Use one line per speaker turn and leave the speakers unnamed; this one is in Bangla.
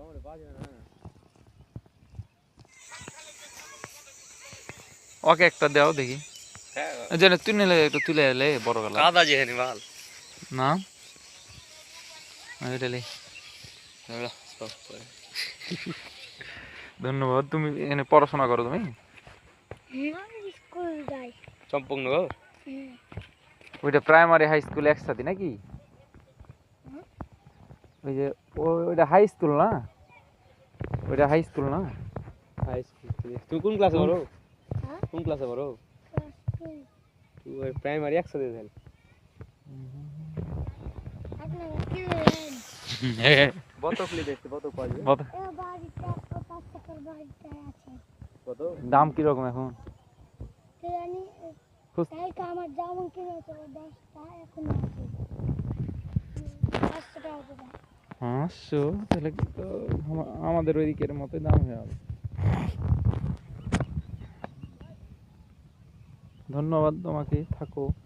ওকে একটা দাও দেখি যেন তুই নিলে একটু তুলে এলে বড় গেল
কাদা যেখানে মাল
না এটালে ধন্যবাদ তুমি এখানে পড়াশোনা করো তুমি
স্কুল যাই
চম্পকনগর
ওইটা প্রাইমারি হাই স্কুল একসাথে নাকি ওই যে ওইটা হাই স্কুল না ওইটা হাই স্কুল না
হাই স্কুল তুই কোন ক্লাসে পড়ো কোন ক্লাসে পড়ো তুই প্রাইমারি একসাথে দেন বতকলি দেখতে বতক পাওয়া কত
দাম কিরকম এখন
আমার যেমন কিনেছে 10টা এখন
500 তাহলে তো আমাদের ওইদিকের মতো দাম হয়ে যাবে ধন্যবাদ তোমাকে থাকো